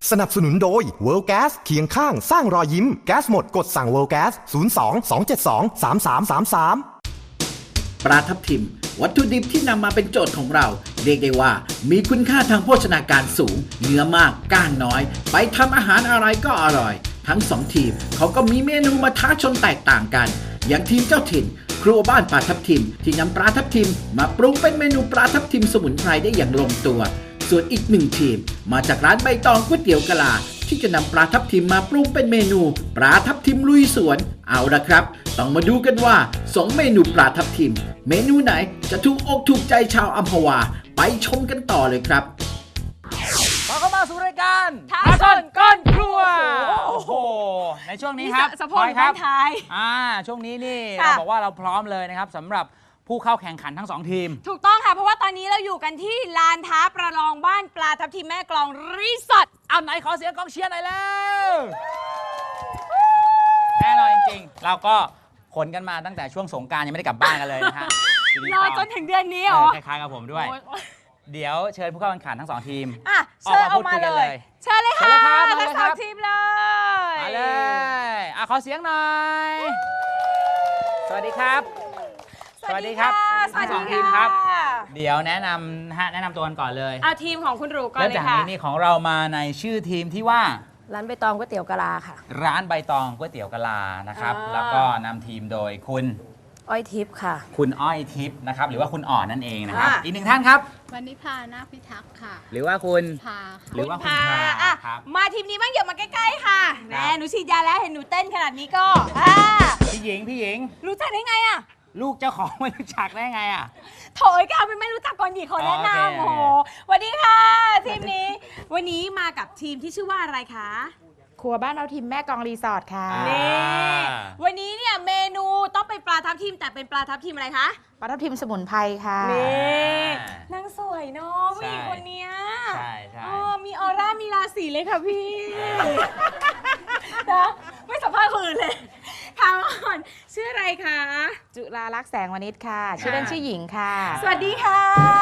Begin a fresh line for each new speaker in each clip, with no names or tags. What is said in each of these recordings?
สนับสนุนโดย World Gas เคียงข้างสร้างรอยยิ้มแก๊สหมดกดสั่ง World Gas 02 272 3333
ปลาทับทิมวัตถุดิบที่นำมาเป็นโจทย์ของเราเรียกได้ว่ามีคุณค่าทางโภชนาการสูงเนื้อมากก้างน้อยไปทำอาหารอะไรก็อร่อยทั้งสองทีมเขาก็มีเมนูมาท้าชนแตกต่างกันอย่างทีมเจ้าถิ่นครัวบ้านปลาทับทิมที่นำปลาทับทิมมาปรุงเป็นเมนูปลาทับทิมสมุนไพรได้อย่างลงตัวส่วนอีกหนึ่งทีมมาจากร้านใบตองก๋วยเตี๋ยวกะลาที่จะนำปลาทับทิมมาปรุงเป็นเมนูปลาทับทิมลุยสวนเอาละครับต้องมาดูกันว่า2เมนูปลาทับทิมเมนูไหนจะถูกอกถูกใจชาวอัมพวาไปชมกันต่อเลยครับ
ขอเข้ามาสู่รายการ
ท้าชนก้นครัว
โอ้โหในช่วงนี้ครับ
สะโพกบ้านไทย
ช่วงนี้นี่
ค่ะ
เราบอกว่าเราพร้อมเลยนะครับสำหรับผู้เข้าแข่งขันทั้ง2ทีม
ถูกต้องค่ะเพราะว่าตอนนี้เราอยู่กันที่ลานท้าประลองบ้านปลาทับทิมแม่กลองรีสอร์ท
เอาไหนขอเสียงกองเชียร์หน่อยแล้วแน่นอนจริงๆเราก็ขนกันมาตั้งแต่ช่วงสงกรานต์ยังไม่ได้กลับบ้านกันเลยนะฮะ
รอจนถึงเดือนนี้เหรอ
คล้ายๆกับผมด้วย
โอ้ย
เดี๋ยวเชิญผู้เข้าแข่งขันทั้ง2ทีม
อ่ะเชิญเอามาเลย เชิญเลยค่ะ
เชิญเลยครับ
ทั้งสองทีมเลย
มาเลยขอเสียงหน่อยสวัสดีครับ
สวัสดีค่ะ
ทั้งสองทีมครับ เดี๋ยวแนะนำตัวกันก่อนเลย
เอาทีมของคุณหรูก่อน
เริ่ม
เลย
จาก
ค่ะ
นี้นี่ของเรามาในชื่อทีมที่ว่า
ร้านใบตองก๋วยเตี๋ยวกะลาค่ะ
ร้านใบตองก๋วยเตี๋ยวกะลานะครับ แล้วก็นำทีมโดยคุณ
อ้อยทิพย์ค่ะ
คุณอ้อยทิพย์นะครับหรือว่าคุณอ่อนนั่นเองนะครับ
ค่ะ
อีกหนึ่งท่านครับ
วันนิพานาคพิทักษ์ค่ะ
หรือว่าคุณ
พาค่ะ
หรือว่าคุณ
พา
พา
อ่ะ
ครับ
มาทีมนี้บ้างอย่ามาใกล้ๆค่ะแหม
ครับ
หนูฉีดยาแล้วเห็นหนูเต้นขนาดนี้ก็
พี่หญิง
รู้จักได้ไงอ่ะ
ลูกเจ้าของไม่รู้จักได้ไงอ่ะ
โถยก็เอาเป็นไม่รู้จักก่อนดีคนแนะ
อ๋อโอเค
นำโอ้โหสวัสดีค่ะทีมนี้ วันนี้มากับทีมที่ชื่อว่าอะไรคะ
ครัวบ้านเอาทิมแม่กลองรีสอร์ทค่ะ
นี่วันนี้เนี่ยเมนูต้องเป็นปลาทับทิมแต่เป็นปลาทับทิมอะไรคะ
ปลาทับทิมสมุนไพรค่ะ
นี่นางสวยเนาะผู้หญิงคนเนี้ย
ใช่
มีออร่ามีราศีเลยค่ะพี่นะไม่สัมภาษณ์คนอื่นเลยถามก่อนชื่ออะไรคะ
จุฬาลักษณ์แสงวณิชค่ะ ชื่อเล่นชื่อหญิงค่ะ
สวัสดีค่ะ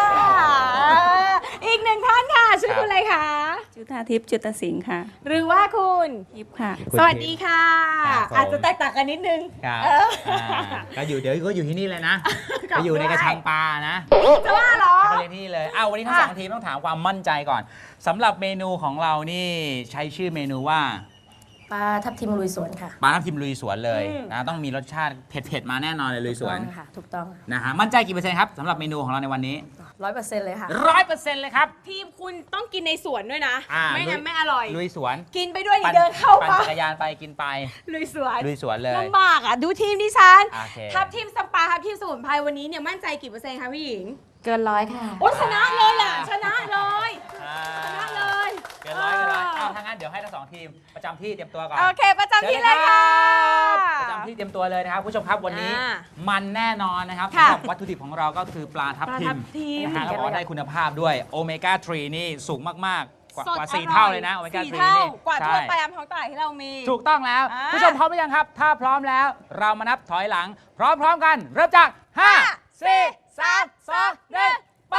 อีกหนึ่งท่านค่ะชื่อคุณอะไรคะ
จุธาทิพย์จุตสิงห์ค่ะ
หรือว่าคุณ
ทิพย์ค่ะ
สวัสดีค่ะ
ครับผม
อาจจะแตกต่างกันนิดนึง
ครับ
เออ
ก็อยู่เดี๋ยวก็อยู่ที่นี่เลยนะ
กลับ
ไปอยู่ในกระชังปลานะ
จะว่าเหรอ
ก็เรียนที่นี่เลยวันนี้ทั้งสองทีมต้องถามความมั่นใจก่อนสำหรับเมนูของเรานี่ใช้ชื่อเมนูว่า
ปลาทับทิมลุยสวนค่ะ
ปลาทับทิมลุยสวนเลย
อืม
นะต้องมีรสชาติเผ็ดๆมาแน่นอนเลยลุยสวน
ถูกต้องค่ะ ถูกต้อง
นะฮะมั่นใจกี่เปอร์เซ็นต์ครับสำหรับเมนูของเราในวันนี้
100%เลยค่ะ
100%เลยครับ
ทีมคุณต้องกินในสวนด้วยนะ
อ่า
ไม่งั้นไม่อร่อย
ลุยสวน
กินไปด้วยนี่เดินเข้า
ปั่น
มา
จักรยานไปกินไป
ลุยสวน
ลุยสวนเลย
ลำบากอ่ะ ดูทีมดิฉัน
โอเค
ทัพทีมสปาทัพทีมสมุนไพรวันนี้เนี่ยมั่นใจกี่เปอร์เซ็นต์คะพี่หญิง
เกิน100ค่ะ
โอ้ชนะเลยอ่ะ ชนะเลย
อ่า
ชนะเลย
เกินร้อยถ้างั้นเดี๋ยวให้ทั้งสองทีมประจำที่เตรียมตัวก่อน
โอเค ประจำที่เลยค่ะ
ประจำที่เตรียมตัวเลยนะครับผู้ชมครับวันนี้
อ่า
มันแน่นอนนะครับ
ค่ะ
สำหรับวัตถุดิบของเราก็คือปลาทับทิ
ปลาทั
ม
บทิม
นะฮะแล้วก็ได้คุณภาพด้วยโอเมก้า 3 นี่สูงมากๆ กว่า
สด
กว่า
อร่อย
4 เท่าเลยนะโอเมก้า
สี่
3
เท่า
นี่
กว่าทั่วไป
ใช่
ตามท้องตลาดที่เรามี
ถูกต้องแล้ว
อ่า
ผู้ชมพร้อมหรือยังครับ ถ้าพร้อมแล้วเรามานับถอยหลัง พร้อมๆกัน เริ่มจาก 5 4 3 2 1 ไป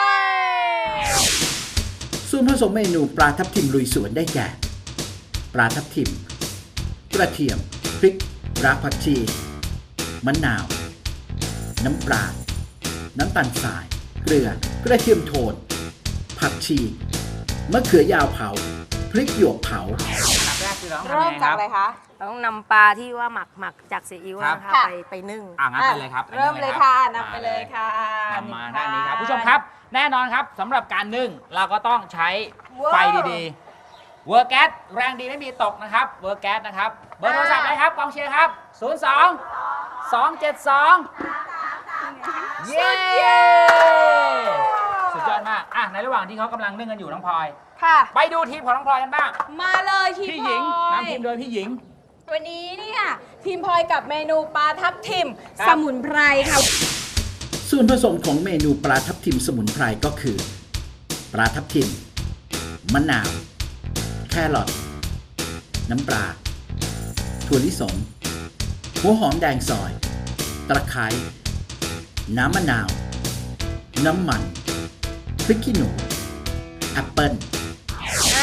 ส่วนผสมเมนูปลาทับทิมลุยสวนได้แก่ปลาทับทิมกระเทียมพริกรากผักชีมะนาว น้ำปลาน้ำตาลทราย เกลือกระเทียมโทนผักชีมะเขือยาวเผาพริกหยวกเผา
อันดับแรกคือเราต้องทำ
เริ่ม
ยังไง
จาก
ครับ
อะไรคะ
ต้องนำปลาที่ว่าหมักจากซีอิ๊ว
ครับ
นะคะ
ค่ะ
ไปนึ่ง
งั้นไปเลยครับ
เริ่มเลยค่ะนำไปเลยค่ะ
นำมาด้านนี้ครับผู้ชมครับแน่นอนครับสำหรับการนึ่งเราก็ต้องใช้ไฟดีๆเวอร์แก๊สแรงดีไม่มีตกนะครับเวอร์แก๊สนะครับเบอร์โทรศัพท์นะครับกองเชียร์ครับ 02 272 เย้สุดยอดมากในระหว่างที่เขากำลังนึ่งกันอยู่น้องพลอย
ค่ะ
ไปดูทีมของน้องพลอยกันบ้าง
มาเลยทีม
พี่หญิง
พลอย
นำทีมโดยพี่หญิง
วันนี้เนี่ยทีมพลอยกับเมนูปลาทับทิม
ครับ
สมุนไพรค่ะ
ส่วนผสมของเมนูปลาทับทิมสมุนไพรก็คือ ปลาทับทิมมะนาว แครอทน้ำปลาถั่วลิสงหัวหอมแดงซอย ตะไคร้น้ำมะนาว น้ำมันพริกขี้หนูแอปเปิ้ล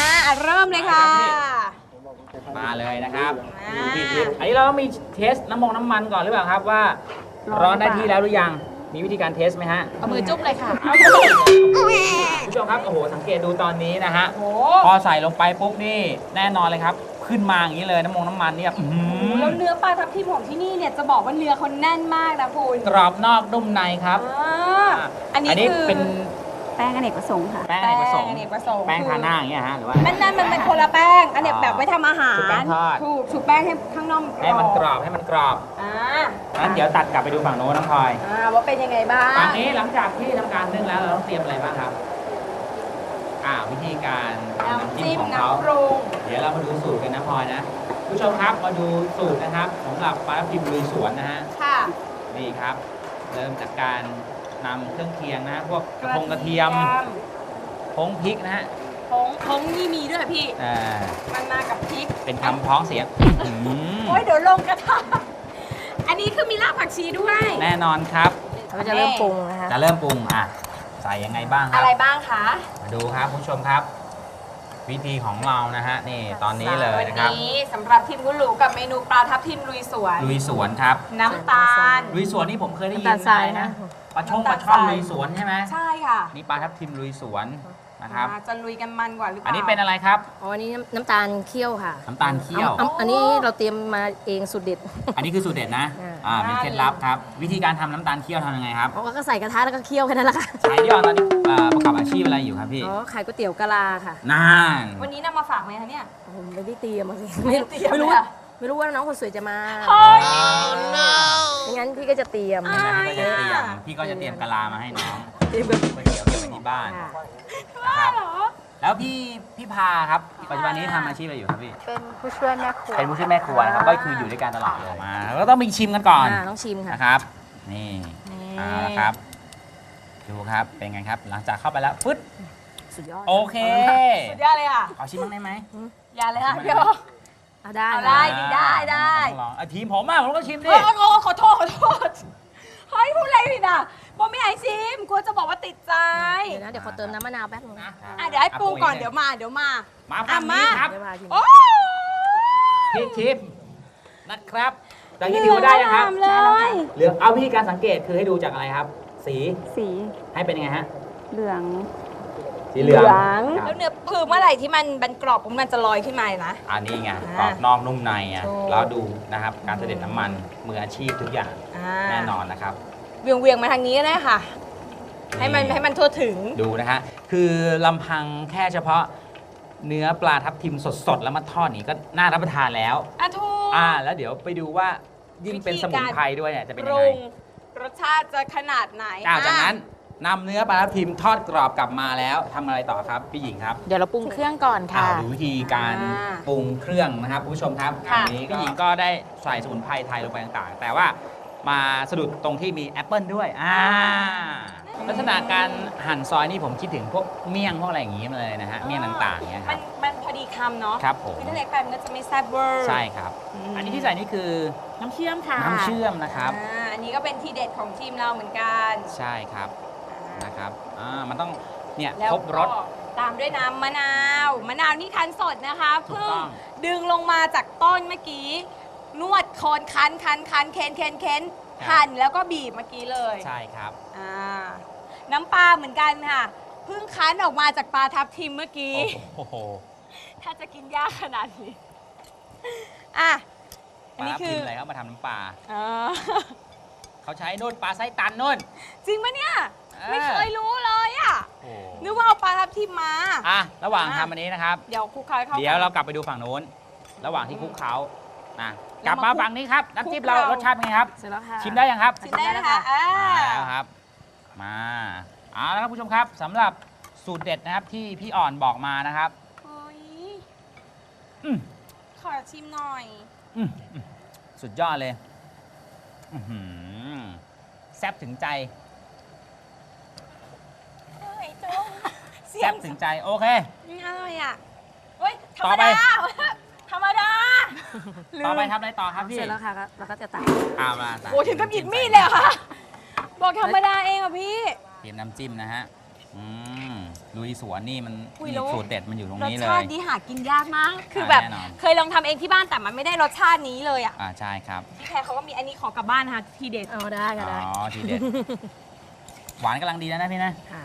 เริ่มเลยค่ะ
มาเลยนะครับ
อ่า
ดูพี่ทิพย์อันนี้เราต้องมีเทสน้ำมันก่อนหรือเปล่าครับว่าร้อนได้ที่แล้วหรือยังมีวิธีการเทสไหมฮะ
เอามือจุ๊บเลยค่ะ
ผู้ชมครับโอ้โหสังเกตดูตอนนี้นะฮะ
โอ้
พอใส่ลงไปปุ๊บนี่แน่นอนเลยครับ ขึ้นมาอย่างนี้เลยน้ำมันเนี่ยอื้อหือ
แล้วเนื้อปลาทับทิมของที่นี่เนี่ยจะบอกว่าเนื้อเขาแน่นมากนะคุณ
กรอบนอกนุ่มในครับ
อันนี้คือ
เป็น
แป้งอเนกประสงค์ค่ะ
แป้งอเนกประสงค์
อเนกประสงค์
แป้งทาหน้าอย่างเงี้ยฮะหรือว่า
นั่นมันเป็นคนละแป้ง อันเนี้ยแบบไว้ทำอาหาร
ชุบแป้งทอด
ถูกชุบแป้งให้ข้างนอก
ให้มันกรอบให้มันกรอบ
อ่า
งั้นเดี๋ยวตัดกลับไปดูฝั่งโน้นน้องพลอย
ว่าเป็นยังไงบ้าง
ฝั่งนี้หลังจากที่ทำการนึ่งแล้วเราต้องเตรียมอะไรบ้างครับวิธีการทำ
น้ำจิ้ม
ของเขา
น้ำปรุง
เดี๋ยวเรามาดูสูตรกันนะพลอยนะผู้ชมครับมาดูสูตรนะครับสำหรับปลาทับทิมลุยสวนนะฮะ
ค่ะ
นี่ครับ เริ่มจากการนำเครื่องเคียงนะพวกกระเทียมผงพริกนะฮะ
ผงนี่มีด้วยพี่ มันมากับพริก
เป็นคำพ้องเสียง
โอ้ยเดี๋ยวลงกระทะอันนี้คือมีรากผักชีด้วย
แน่นอนครับ
เราจะเริ่มปรุงนะคะ
จะเริ่มปรุงใส่ยังไงบ้างค
อะ
รับ
ไรบ้างคะ
มาดูครับผู้ชมครับ วิธีของเรานะฮะนี่ตอนนี้เลยนะครับ
วันนี้สำหรับทีมกุหลูกับเมนูปลาทับทิมลุยสวน
ลุยสวนครับ
น้ำตาล
ลุยสวนนี่ผมเคยได้ยิน
น้ำตาลทราย
นะ
นะ
ปลาช่อน
น้ำตาลทราย
ลุยสวนใช่ไหม
ใช่ค่ะ
นี่ปลาทับทิมลุยสวนนะครับ
จะลุยกันมันกว่าหรือเปล่า
อันนี้เป็นอะไรครับ
อ๋ออันนี้น้ำตาลเคี่ยวค่ะ
น้ำตาลเคี่ยว
อันนี้เราเตรียมมาเองสุดเด็ด
อันนี้คือสูตรเด็ดนะ มีเคล็ดลับครับ วิธีการทำน้ำตาลเคี่ยวทำยังไงครับ
อ๋อก็ใส่กระทะแล้วก็เคี่ยวแค่นั้นแหละค่ะ
ใช้ที่ออนตอนนี้ประกอบอาชีพอะไรอยู่ครับพี่
อ๋อขายก๋วยเตี๋ยวกะลาค่ะ
นั่น
วันนี้นำมาฝากไหมคะเนี่ย
ผมไม่ได้เตรียมมาสิ
ไม่ได้เตรียม
ไม่รู้
เลย
ว่า
อะ
ไม่รู้ว่าน้องคนสวยจะมา
เฮ้ย
ไม่งั้นพี่ก็จะเตรียม
พี่ก็จะเตรียม
อ่า
พี่ก็จะเตรียมกะลามาให้น้อง
เตรียมแบบ
ก๋วยเตี๋ยวเก็บไว้ที่บ้าน
ค่ะ
นะครับ
เหรอ
แล้วพี่พาครับปัจจุบันนี้ทำอาชีพอะไรอยู่ครับพี่
เป็นผู้ช่วยแม่ครัว
เป็นผู้ช่วยแม่ครัวนะครับ ก็คืออยู่ด้วยกันตลอดเลยมาแล้วก็ต้องมีชิมกันก่อน
ต้องชิมค่ะ
นะครับ นี่
นี่
เอาละครับ ดูครับ เป็นไงครับ หลังจากเข้าไปแล้วฟึด
สุดยอด
โอเค
สุดยอดเลยค่ะ
ขอชิมบ้างได้ไหม
อย่าเลยค่ะเดี๋ยว
เอาได้
เอาได้ ดิได้
ต้องลองทีมผมผมก็ชิมดิ
โอ้ขอโทษเฮ้ยพูดอะไรผิดอ่ะโมไม่ให้ชิมกลัวจะบอกว่าติดใจ
เดี๋ยวนะเดี๋ยวขอเติมน้ำมะนาวแป๊บนึงนะ
เดี๋ยวให้ปรุงก่อนเดี๋ยวมา
มาฝั่งนี้ครับ
เดี๋ยวมาชิม
โอ้
พี่ชิมนะครับจากนี้ถือว่าได้นะครับ
เลย
เหลืองเอาวิธีการสังเกตคือให้ดูจากอะไรครับ สี
สี
ให้เป็นยังไงฮะ
เหลือง
สีเหลืองค
แล้
รับ
วเนื้อคือเมื่อไหร่ที่มันกรอบปุ๊บมันจะลอยขึ้นมาเลยนะ
อันนี้ไง
อ่าก
รอบนอกนุ่มในอ่ะ
ถูก
แล้วดูนะครับการเสด็จน้ำมันมืออาชีพทุกอย่างแน่นอนนะครับ
เวียงมาทางนี้ก็ได้ค่ะ ให้มันทั่วถึง
ดูนะฮะคือลำพังแค่เฉพาะเนื้อปลาทับทิมสดๆ แล้วมาทอดนี่ก็น่ารับประทานแล้ว
ถูก
แล้วเดี๋ยวไปดูว่ายิ่งเป็นสมุนไพรด้วยเนี่ยจะเป็น
ป
ยัง
รุ
ไง
งรสชาติจะขนาดไหน
จากนั้นนำเนื้อปลาทับทิมทอดกรอบกลับมาแล้วทำอะไรต่อครับพี่หญิงครับ
เดี๋ยวเราปรุงเครื่องก่อนค่ะ
ดูวิธีการปรุงเครื่องนะครับคุณผู้ชมครับอันนี้พี่หญิงก็ได้ใส่สมุนไพรไทยลงไปต่างๆ แต่ว่ามาสะดุดตรงที่มีแอปเปิลด้วยลักษณะการหั่นซอยนี่ผมคิดถึงพวกเมี่ยงพวกอะไรอย่างงี้มาเลยนะฮะเมี่ยงต่างๆเนี่ยครับ
มันพอดีคำเนาะ
ครับผม
คือถ้าเล็กไปมันก็จะไม่แซ่บเวอร์
ใช่ครับ อันนี้ที่ใส่นี่คือ
น้ำเชื่อมค่ะ
น้ำเชื่อมนะครับ
อันนี้ก็เป็นทีเด็ดของทีมเราเหมือนกัน
ใช่ครับนะครับมันต้องเนี่ย
แล้ว
ครบรส
ก็ตามด้วยน้ำมะนาวนี่คั้นสดนะคะ
ถูก
เพิ่
ต้
ง
อง
ดึงลงมาจากต้นเมื่อกี้ นวดโคนคั้นเค้นหั่นแล้วก็บีบเมื่อกี้เลย
ใช่ครับ
น้ำปลาเหมือนกันค่ะเพิ่งคั้นออกมาจากปลาทับทิมเมื่อกี้
โอ้โห
ถ้าจะกินยากขนาดนี้อั
ป
น
ลา
นี้
ทับ
คื
ทิ
อ
มอะไรเขามาทำน้ำปลา
อ่า
เขาใช้นู่นปลาไส้ตันนู่น
จริงปะเนี่ย
เออ
ไม่เคยรู้เลยอ่ะ
โอ้
นึกว่าเอาปลาทับทิมมา
ระหว่างทำอันนี้นะครับ
เดี๋ยวคลุกเคล้าให้เข้ากัน
เดี๋ยวเรากลับไปดูฝั่งโน้น ระหว่างที่คลุกเคล้านะก
แล้
ลั
ว
บ
มา
มาฝั่งนี้ครับ น้ำจิ้มเรา
คลุกเคล้าร
สชาติเป็นไงครับ
เสร็จแล้วค่ะ
ชิมได้ยังครับ
ชิมได้นะคะ
มาแล้วครับ มาเอาละครับผู้ชมครับสำหรับสูตรเด็ดนะครับที่พี่อ่อนบอกมานะครับ
เฮ้ย
อืม
ขอชิมหน่อย
สุดยอดเลยอื้อหือแซ่บถึงใจ
เฮ้ยจุ๊บเสีย
แซ่
ง
บถึงใจโอเค
อร่อยอ่ะเฮ้ยธร
ต่
ร
อ
ม
ไป
ดาธรรมดา
ต่อไปทำอะไรต่อครับพี่
เสร็จแล้วค่ะเราก็จะตัก
มาตัก
โอ้ถึงกับหยิบมีดเลยเหรอค่ะ บอกธรรมดาเองอ่ะพี่
เตรียมน้ำจิ้มนะฮะลุยสวนนี่มัน
อุ๊ย
นี่
แล้ว
สูตรเด็ดมันอยู่ตรง
รส
นี้เล
ชาติ
ย
นี้หากินยากมาก คือแบบ
แน่นอน
เคยลองทำเองที่บ้านแต่มันไม่ได้รสชาตินี้เลยอ่ะ
ใช่ครับ
พี่แพรเขาก็มีอันนี้ขอกลับบ้านนะคะทีเด็ด
เอาได้ก็ได้
อ๋อทีเด็ด หวานกำลังดีนะพี่นะ
ค่ะ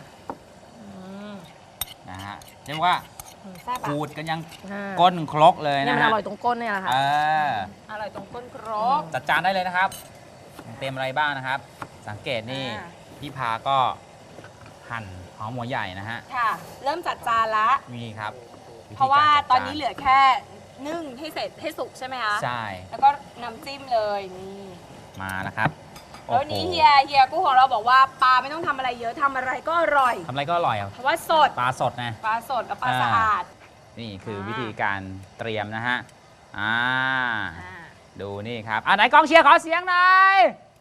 นะฮะเรียกว่า
แซ่บ
ขู
อ่ะ
ดกันยัง
อ่า
ก้นครกเลย
เนี่ย
นะ
มัน
ฮะ
อร่อยตรงก้นเนี่ยแหละค่ะ
เออ
อร่อยตรงก้นครก
จัดจานได้เลยนะครับเตรียมอะไรบ้างนะครับ สังเกตนี่
อ่า
พี่พาก็หั่นหอมหัวใหญ่นะฮะ
ค่ะ เริ่มจัดจานละ
มีครับธี
เพราะว่า
กจัดจ
ตอนนี้เหลือแค่นึ่งให้เสร็จให้สุกใช่ไหมคะ
ใช่
แล้วก็น้ำจิ้มเลยนี่
มานะครับ
แล้วนี้
โอ้โห
เฮียกู้ของเราบอกว่าปลาไม่ต้องทำอะไรเยอะทำอะไรก็อร่อย
ทำอะไรก็อร่อยอ่ะ
เพราะว่าสด
ปลาสดนะ
ปลาสดกับปลาสะอาด
นี่คือวิธีการเตรียมนะฮะอ่า
อ่า
ดูนี่ครับไหนกองเชียร์ขอเสียงหน่อย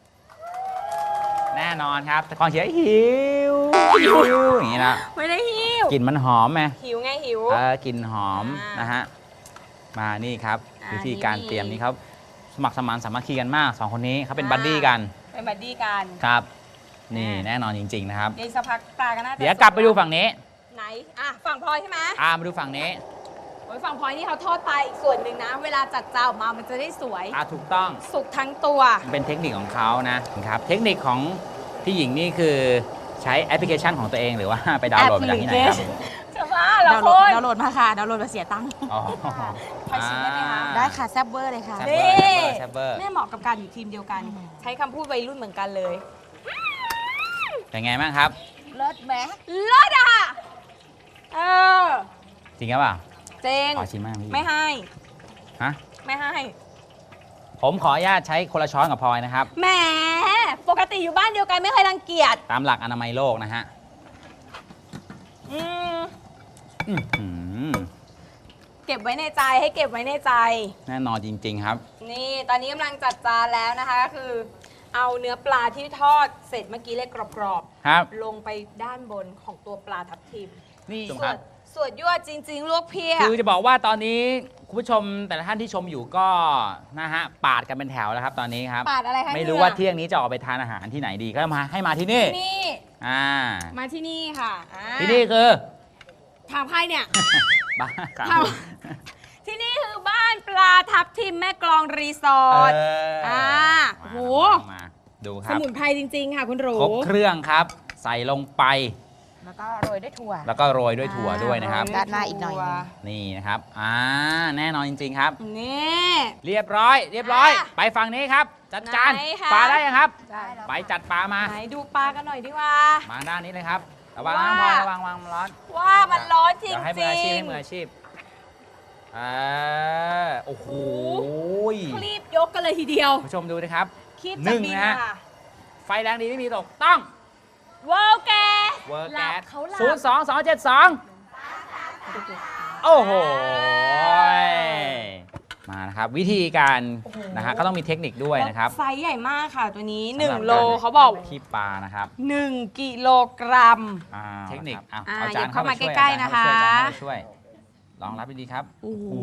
แน่นอนครับแต่กองเชียร์หิวอย่างนี้นะ
ไม่ได้หิว
กลิ่นมันหอมไหม
หิวไงหิว
กลิ่นหอม
อ่าน
นะฮะมานี่ครับ
อ่า
วิธีการ
นี่
เตรียมนี่เขาสมัครสมานสามัคคีกันมากสองคนนี้เขาเป็น
อ่า
บัดดี้กัน
เป็นบัดดี้กัน
ครับ นี่
อ่า
แน่นอนจริง ๆ นะครับ
เดี๋ยวสักพักปลาก็น่าจะ
เดี๋ยวกลับไปดูฝั่งนี้
ไหนอ่ะฝั่งพลอยใช่ไหม
มาดูฝั่งนี้
โอ้ยฝั่งพลอยนี่เขาทอดปลาอีกส่วนหนึ่งนะ เวลาจัดจานออกมามันจะได้สวย
ถูกต้อง
สุกทั้งตัว
เป็นเทคนิคของเขานะครับเทคนิคของพี่หญิงนี่คือใช้แอปพลิเคชันของตัวเองหรือว่าไปดาวน์โหลดมาจากที่ไหนครับ
จะว่าเหรา
ดาวน์
ค
โหลด
น
ดาวน์โหลดมาค่ะ ดาวน์โหลดมาเสียตังค์
อ๋อ
พลอยชิมได้ไหมคะ
ได้ค่ะแซ่บเวอร์เลยค่ะ
แซ่บ
นี่
แซ่บเบอร์
แม่เหมาะกับการอยู่ทีมเดียวกัน ใช้คำพูดวัยรุ่นเหมือนกันเลย
เป็นไงบ้างครับ
เลิศแหม
เลิศอ่ะเออ
จริงหรือเปล่า
เจง
ขอชิมบ้างพี่
ไม่ให้
ฮะ
ไม่ให้
ผมขออนุญาตใช้คนละช้อนกับพลอยนะครับ
แหมปกติอยู่บ้านเดียวกันไม่เคยรังเกียจ
ตามหลักอนามัยโลกนะฮะ
อืม
อื้อหือ
เก็บไว้ในใจให้เก็บไว้ในใจ
แน่นอนจริง ๆ ครับ
นี่ตอนนี้กำลังจัดจานแล้วนะคะก็คือ เอาเนื้อปลาที่ทอดเสร็จเมื่อกี้เลยกรอบ
ครับ
ๆลงไปด้านบนของตัวปลาทับทิม
นี่
ส
คว รั
ด
บ
สวดยั่วจริง ๆ ลวกเพีย
คือจะบอกว่าตอนนี้คุณผู้ชมแต่ละท่านที่ชมอยู่ก็นะฮะปาดกันเป็นแถวแล้วครับตอนนี้ครับ
ปาดอะไรคะ
ไม่รู้
นี่ย
ว่าเที่ยงนี้จะออกไปทานอาหารที่ไหนดีก็มาให้มาที่นี่
นี่
อ่า
มาที่นี่ค่ะอ่า
ที่นี่คือ
ทางไพ่เนี่ย
บ้านครับ
ทำ ที่นี่คือบ้านปลาทับทิมแม่กลองรีสอร์ท อ่าโอ้โห
มาดูค
ส
รับ
มุนไพรจริง ๆ ค่ะคุณหรู
ครบเครื่องครับ ใส่ลงไป
แล้วก็โรยด้วยถั่ว
แล้วก็โรยด้วยถั่วด้วยนะครับ
ด้านหน้าอีกหน่อยหนึ่ง
นี่นะครับแน่นอนจริง ๆ ครับ
นี่
เรียบร้อย
อ่ะ
ไปฝั่งนี้ครับ จัดจาน
ไหนคะ
ปลาได้ยังครับ
ได้แล้ว
ไปจัดปลามา
ไหนดูปลากันหน่อยดีกว่า
มาด้านนี้เลยครับระวังนะ
ว่า
พลอยระวังมันร้อน
ว่ามันร้อนจริ
เดี๋ยวให้มืออาชีพให้มืออาชีพโอ้โห
คลีบยกกันเลยทีเดียว
ผู้ชมดูนะครับ
คีบ
หนึ่
จาก
ง
บิน
นะฮะ
ค่ะ
ไฟแรงดีไม่มีตกต้อง
เวิร์กแก
เวิร์ก
หลั
แก๊
บ
ส
เขาหลับ
02272โอ้โหมานะครับ วิธีการนะฮะก็ต้องมีเทคนิคด้วยนะครับ
ไซส์ใหญ่มากค่ะตัวนี้
สำหรับ
1 โล
การ
เขาบอก
คีบปลานะครับ
1 กิโลกรัม
เทคนิค
อ่า
เอาจาน
หยิบเข้ามา
ช่วย
ใกล้ๆ
อาจาร
นะคะ
เข้ามาช่วยอาจารย์เข้ามาช่วยลองรับดีๆครับ
โอ้โห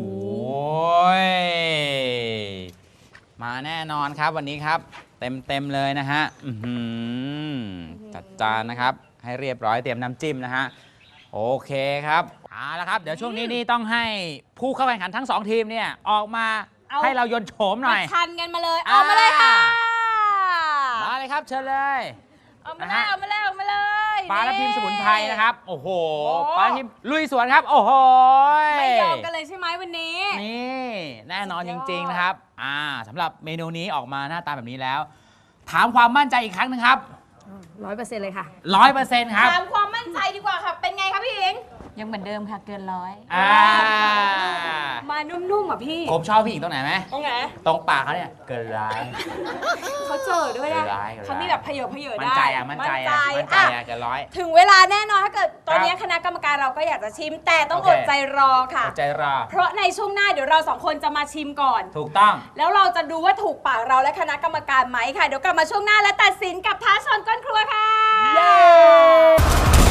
มาแน่นอนครับวันนี้ครับเต็มเลยนะฮะจัดจานนะครับ ให้เรียบร้อยเตรียมน้ำจิ้มนะฮะโอเคครับเอาละครับ เดี๋ยวช่วงนี้นี่ต้องให้ผู้เข้าแข่งขันทั้ง 2 ทีมเนี่ยออกมา
เอา
ให้เรายนต์โฉมหน่อย
ประชันกันมาเลย เอามาเลยค่ะ
มาเลยครับเชิญเลย
เอามาเลยเอามาเลยเอามาเลย
ปลาทับทิมสมุนไพรนะครับ โอ้โห
โอ้
ปลาทับทิมลุยสวนครับ โอ้โห
ไม่ยอมกันเลยใช่ไหมวันนี้
นี่แน่นอน
สุ
จ
ดยอด
ริง ๆ นะครับสำหรับเมนูนี้ออกมาหน้าตาแบบนี้แล้ว ถามความมั่นใจอีกครั้งหนึงครับ
100%เลยค่ะ
100%ครับ
ถามความมั่นใจดีกว่าค่ะ เป็นไงคะพี่หญิง
ยังเหมือนเดิมค่ะเกินร้อย
อ่า
มานุ่มๆอ่ะพี่
ผมชอบพี่หญิงตรงไหนไหม
ตรงไหน
ตรงปากเขาเนี่ยเกินร้าย
เขาเจอด้วยนะ
ร้าย
เขามีแบบเพเยอเพเยอ
มั่น
ได้
ใจมั่นใจเกินร้อย
ถึงเวลาแน่นอนถ้าเกิดตอนนี้คณะกรรมการเราก็อยากจะชิม แต่ต้อง
โอ
อ
เค
ดใจรอค่ะ
ใจรอ
เพราะในช่วงหน้าเดี๋ยวเราสองคนจะมาชิมก่อน
ถูกต้อง
แล้วเราจะดูว่าถูกปากเราและคณะกรรมการไหมค่ะ เดี๋ยวกลับมาช่วงหน้าและตัดสินกับท้าชนก้นครัวค่ะ
เย้